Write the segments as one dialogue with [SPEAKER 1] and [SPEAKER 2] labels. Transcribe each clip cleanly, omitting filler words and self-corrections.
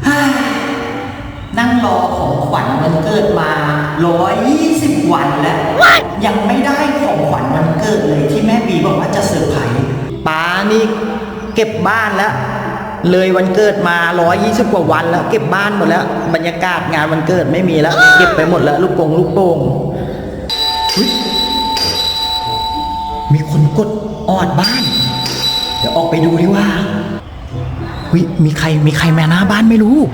[SPEAKER 1] นั่งรอของขวัญวันเกิดมา120 วันแล้วยังไม่ได้ของขวัญวันเกิดเลยที่แม่บีบอกว่าจะเซอร์ไพรส์ป้านี่เก็บบ้านแล้วเลยวันเกิดมา120 กว่าวันแล้วเก็บบ้านหมดแล้วบรรยากาศงานวันเกิดไม่มีแล้วเก็บไปหมดแล้วลูกโป่งมีคนกดออดบ้านเดี๋ยวออกไปดูดีว่ามีใครมาหน้าบ้านไม่รู้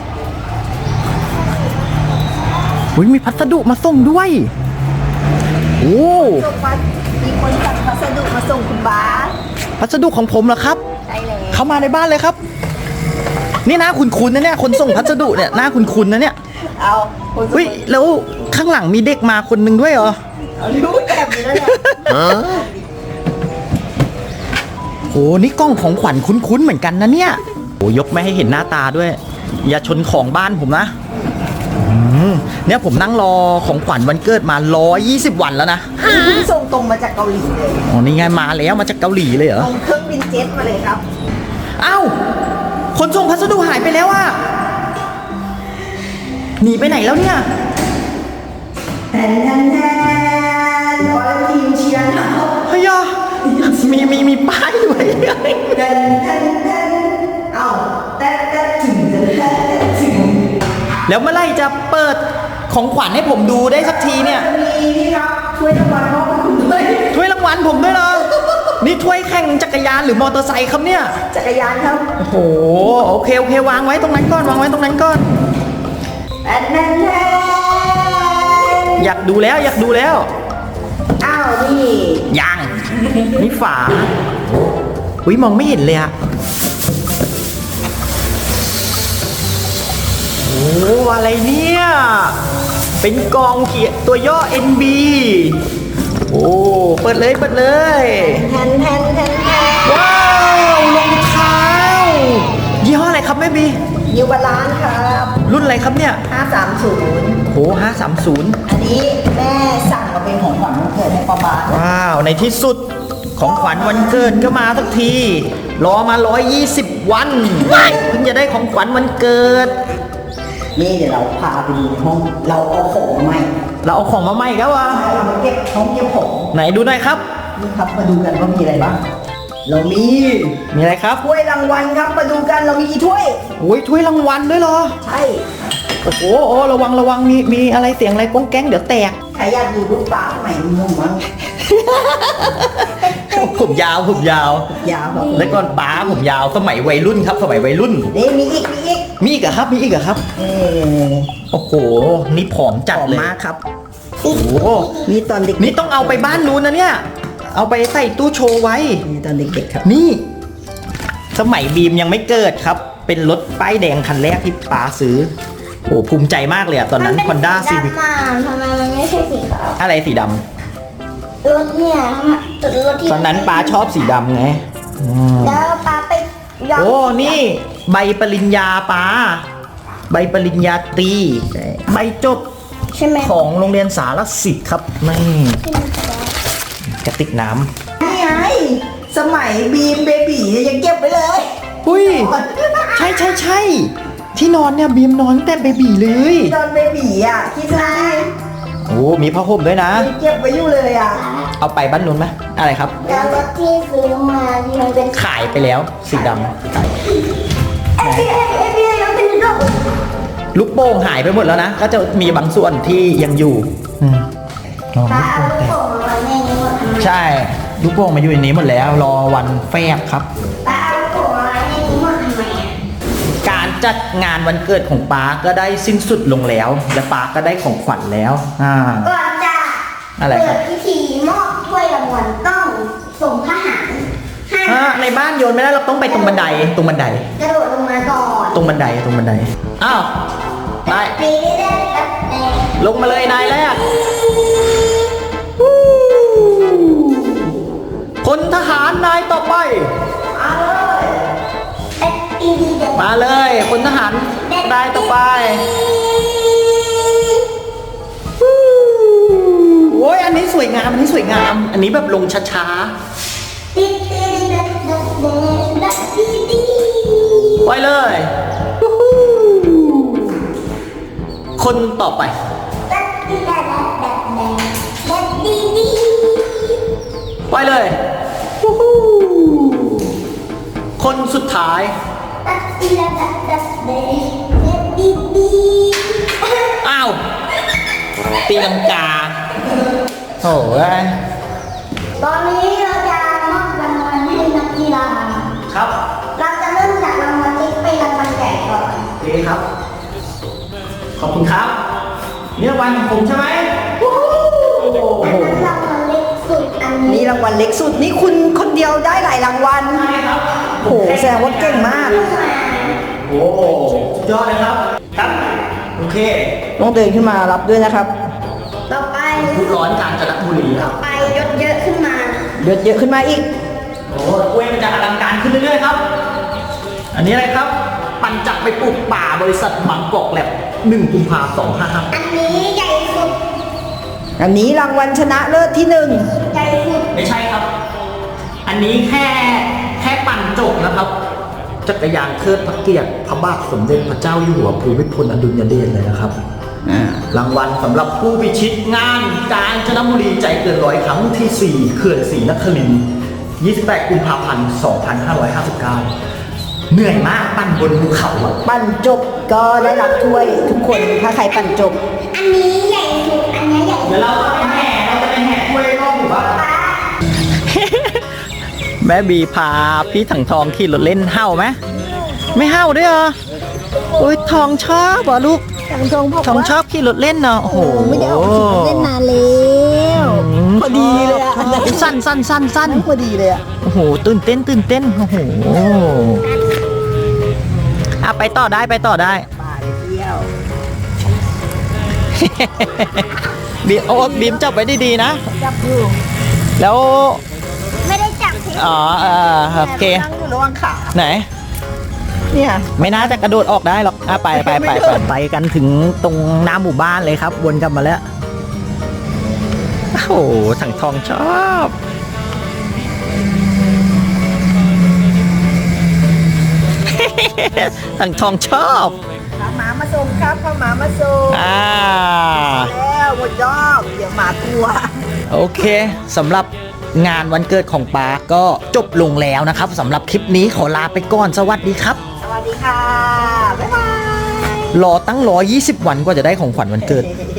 [SPEAKER 1] มีพัสดุมาส่งด้วยโอ้
[SPEAKER 2] มีคนสั่งพัสดุมาส่งคุณบาส
[SPEAKER 1] พัสดุของผมเหรอครับ
[SPEAKER 2] ใช่เลย
[SPEAKER 1] เข้ามาในบ้านเลยครับนี่หน้าคุ้นๆนะเนี่ยคนส่งพัสดุเนี่ยหน้าคุ้นๆนะเนี่ย
[SPEAKER 2] เอา
[SPEAKER 1] แล้วข้างหลังมีเด็กมาคนหนึ่งด้วยเหรอ
[SPEAKER 2] รู้แบบนี้แล้วเนี่ย
[SPEAKER 1] โอ้นี่กล้องของขวัญคุ้นๆเหมือนกันนะเนี่ยโอ้ยกไม่ให้เห็นหน้าตาด้วยอย่าชนของบ้านผมนะเนี่ยผมนั่งรอของขวัญวันเกิดมา120 วันแล้วนะ
[SPEAKER 2] ส่งตรงมาจากเกาหลีเลย
[SPEAKER 1] อ๋อนี่ไงมาแล้วมาจากเกาหลีเลยเหรอ
[SPEAKER 2] ส่งเครื่องบินเจ็ตมาเลยครับ
[SPEAKER 1] อ้าวคนส่งพัสดุหายไปแล้วอ่ะหนีไปไหนแล้วเนี่ย
[SPEAKER 2] แทนขอทีมเชียร์นะ
[SPEAKER 1] เฮ้ยมีป้ายด้วย
[SPEAKER 2] เอ้าแต่ถึง
[SPEAKER 1] แล้วเมื่อไหร่จะเปิดของขวัญให้ผมดูได้สักทีเนี่ย
[SPEAKER 2] มีนี่ครับถ้วยรางวัลมอบให้คุณด้วย
[SPEAKER 1] ถ้วยรางวัลผมด้วยเหรอนี่ถ้วยแข่งจักรยานหรือมอเตอร์ไซค์ครับเนี่ย
[SPEAKER 2] จักรยานครับ
[SPEAKER 1] โอ้โหโอเควางไว้ตรงนั้นก่อนอยากดูแล้ว
[SPEAKER 2] อ้าวนี่
[SPEAKER 1] ยังนี่ฝาอุ้ยมองไม่เห็นเลยอะโอ้อะไรเนี่ยเป็นกองเขียนตัวย่อ NB โอ้เปิดเลย
[SPEAKER 2] แทน
[SPEAKER 1] ว้าวรองเท้ายี่ห้ออะไรครับแม่บี
[SPEAKER 2] ยูบาลานซ์ครับ
[SPEAKER 1] รุ่นอะไรครับเนี่ย
[SPEAKER 2] 530
[SPEAKER 1] โอ้530
[SPEAKER 2] อันนี้แม่สั่งมาเป็นของขวัญวันเกิดให้ป้าบาส
[SPEAKER 1] ว้าวในที่สุดของขวัญวันเกิดก็มาสักทีรอมา120 วันเพิ่งจะได้ของขวัญวันเกิด
[SPEAKER 2] นี่เดี๋ยวเราพาไปดูในห้องเราเอาของมาใหม่
[SPEAKER 1] ครับวะ
[SPEAKER 2] เรามาเก็บห้องเก็บของ
[SPEAKER 1] ไหนดูหน่อยครับ
[SPEAKER 2] นี่ครับมาดูกันว่ามีอะไรบ้างเรามี
[SPEAKER 1] อะไรครับ
[SPEAKER 2] ถ้วยรางวัลครับมาดูกันเรามีกี่ถ้วย
[SPEAKER 1] โอ้ยถ้วยรางวัลด้วยเหรอ
[SPEAKER 2] ใช่
[SPEAKER 1] โอ้โหระวังมีอะไรเสียงอะไรก้องแก๊งเดี๋ยวแตก
[SPEAKER 2] ใครอยากดูรูปป้าใหม่มึงมั้ง
[SPEAKER 1] ผมยาว
[SPEAKER 2] ครับ
[SPEAKER 1] แล้วก่อนป้าผมยาวสมัยวัยรุ่นครับ
[SPEAKER 2] นี่มีอีก
[SPEAKER 1] เหรอครับโอ้โหนี่ผอมจัดเลย
[SPEAKER 2] มากครับ
[SPEAKER 1] โอ้โห
[SPEAKER 2] นี่ตอนเด็ก
[SPEAKER 1] นี่ต้องเอาไปบ้านนู้นนะเนี่ยเอาไปใส่ตู้โชว์ไว้
[SPEAKER 2] นี่ตอนเด็กๆครับ
[SPEAKER 1] นี่สมัยบีมยังไม่เกิดครับเป็นรถป้ายแดงคันแรกที่ป้าซื้อโอ้ภูมิใจมากเลยอะตอนนั้น Honda Civic
[SPEAKER 3] ทำไมมันไม่ใช่สีขาว
[SPEAKER 1] อะไรสีดำ
[SPEAKER 3] รถเนี่ยรถที่
[SPEAKER 1] ตอนนั้นป้าชอบสีดำไง
[SPEAKER 3] แล้วป้าไป
[SPEAKER 1] โอ้นี่ใบปริญญาป้าใบปริญญาตรีใบจบ
[SPEAKER 3] ใช่ไหม
[SPEAKER 1] ของโรงเรียนสารสิทธิ์ครับนี่กระติกน้ำ
[SPEAKER 2] นี่ไงสมัยบีมเบบียังเก็บไปเลย
[SPEAKER 1] อุ้ยใช่ที่นอนเนี่ยบีมนอนแต่เบบีเลย
[SPEAKER 2] ตอนเบบีอ่ะคิดดู
[SPEAKER 1] โอ้มีผ้าห่มด้วยนะ
[SPEAKER 2] เก็บไว้อยู่เลยอ่ะ
[SPEAKER 1] เอาไปบ้านนู้นไหมอะไรครับ
[SPEAKER 3] แล้วรถที่ซื้อมาที่มันเป็น
[SPEAKER 1] ขายไปแล้วสีดำลูกโป่งหายไปหมดแล้วนะก็จะมีบางส่วนที่ยังอยู่
[SPEAKER 3] ป้าเอาลูกโป่งมาในนี้หมด
[SPEAKER 1] ใช่ลูกโป่งมาอยู่ในนี้หมดแล้วรอวันแฟบครับ
[SPEAKER 3] ป้าเอาลูกโป่งมาในนี้หมดทำไม
[SPEAKER 1] การจัดงานวันเกิดของป้าก็ได้สิ้นสุดลงแล้วและป้าก็ได้ของขวัญแล้ว
[SPEAKER 3] ก่อนจะ
[SPEAKER 1] อะไรครับ
[SPEAKER 3] พิธีมอบถ้วยรางวัลต้องส่งทหาร
[SPEAKER 1] ในบ้านโยนไม่ได้เราต้องไปตรงบันได
[SPEAKER 3] กระโดดลงมาก่อน
[SPEAKER 1] ตรงบันไดอ้าวไปลงมาเลยนายแรกพลทหารนายต่อไปมาเลยพลทหารนายต่อไปโอ้ยอันนี้สวยงามอันนี้แบบลงช้าๆไปเลยคนต่อไป
[SPEAKER 3] ดัดดีดัดดัดดัดดัดดีดี
[SPEAKER 1] ไปเลยวู้ฮู้คนสุดท้าย
[SPEAKER 3] ดัดดีดัดดัดดัดดัดดีดี
[SPEAKER 1] อ้าวตีลังกาโอ้ย
[SPEAKER 3] ตอนนี้เราจะมอบรางวัลให้นักกีฬา
[SPEAKER 1] ครับ
[SPEAKER 3] เราจะเริ่มจากรางวัลเล็กไปรางวัลใหญ่ก่อน
[SPEAKER 1] โอเคครับ ขอบคุณครับนี่รางวัลของผมใช่ไหมวู้ฮู้
[SPEAKER 3] อันนั้นรางวัลเล็กสุดอันนี้
[SPEAKER 2] นี่รางวัลเล็กสุดนี่คุณคนเดียวได้หลายรางวัล
[SPEAKER 1] ใช่ครับ
[SPEAKER 2] โหแสดงว่าเก่งมาก
[SPEAKER 1] โอ้ยอดเลยครับ ครับ โอเค
[SPEAKER 2] ต้องเดินขึ้นมารับด้วยนะครับ
[SPEAKER 3] ต่อไป
[SPEAKER 1] ผู้ร้อนกาญจนบุรีครับ
[SPEAKER 3] ไปยศเยอะขึ้นมา
[SPEAKER 2] เยอะขึ้นมาอีก
[SPEAKER 1] โอ้โหกล้วยมันจะอลังการขึ้นเรื่อยๆครับ อันนี้อะไรครับ ปั่นจักรไปปลูกป่าบริษัทบางกอกแลบ1 กุมภาพันธ์
[SPEAKER 3] อันนี้ใหญ่สุด
[SPEAKER 2] อันนี้รางวัลชนะเลิศที่หนึ่ง
[SPEAKER 3] ใหญ่สุด
[SPEAKER 1] 2555ไม่ใช่ครับ อันนี้แค่ปั่นจบนะครับ จักรยานเทิดพระเกียรติพระบาทสมเด็จพระเจ้าอยู่หัวภูมิพลอดุลยเดชเลยนะครับ รางวัลสำหรับผู้พิชิตงานกาญจนบุรีใจเกินร้อยครั้งที่ 4 เขื่อนศรีนครินทร์28 กุมภาพันธ์ 2559 เหนื่อยมากปั่นบนภูเขาอะ
[SPEAKER 2] ปั่นจบก็ได้รับถ้วยทุกคนถ้าใครปั่นจบ
[SPEAKER 3] อันนี้ใหญ่สุด อันนี้ใหญ่สุ
[SPEAKER 1] เดี๋ยว
[SPEAKER 3] ด
[SPEAKER 1] เราจะไปแห่ถ้วยรอบหมู่บ้าน
[SPEAKER 3] ป๊า
[SPEAKER 1] แม่บีพาพี่ถังทองขี่รถเล่นเห่าไหมไม่เห่าด้วยเหรอโอ้ยทองชอบเหรอลูก
[SPEAKER 2] ทางตรงบอก
[SPEAKER 1] ทอง
[SPEAKER 2] ว่า
[SPEAKER 1] ชอบขี่รถเล่นเนาะโอ้โห
[SPEAKER 2] ไม่ได้ออกขี่รถเล่นนานแล้วพอดีเลยอะอันนั้น
[SPEAKER 1] สั้น
[SPEAKER 2] พอดีเลยอะ
[SPEAKER 1] โอ้โหตื่นเต้นโอ้โหอ่ะไปต่อได้
[SPEAKER 2] ป่าเลยเที่ยว
[SPEAKER 1] บีโอ้บีมจับไว้ดีๆนะ
[SPEAKER 2] จับอยู่
[SPEAKER 1] แล้ว
[SPEAKER 3] ไม่ได้จับที่
[SPEAKER 1] อ๋อโอเค
[SPEAKER 2] นั่งอยู่ระหว่างขา
[SPEAKER 1] ไหน
[SPEAKER 2] เนี่ย
[SPEAKER 1] ไม่น่าจะกระโดดออกได้หรอกไปไปกันถึงตรงหน้าหมู่บ้านเลยครับวนกลับมาแล้วโอ้โหถังทองชอบถังทองชอบ
[SPEAKER 2] ข้าหมามาส่งครับข้าหมามาส่งแล้วหมดยอบเดี๋ยวหมากลัว
[SPEAKER 1] โอเคสำหรับงานวันเกิดของปาก็จบลงแล้วนะครับสำหรับคลิปนี้ขอลาไปก่อนสวัสดีครับ
[SPEAKER 2] สวัสดีค่ะ บ๊ายบาย
[SPEAKER 1] รอตั้ง120 วันกว่าจะได้ของขวัญวันเกิด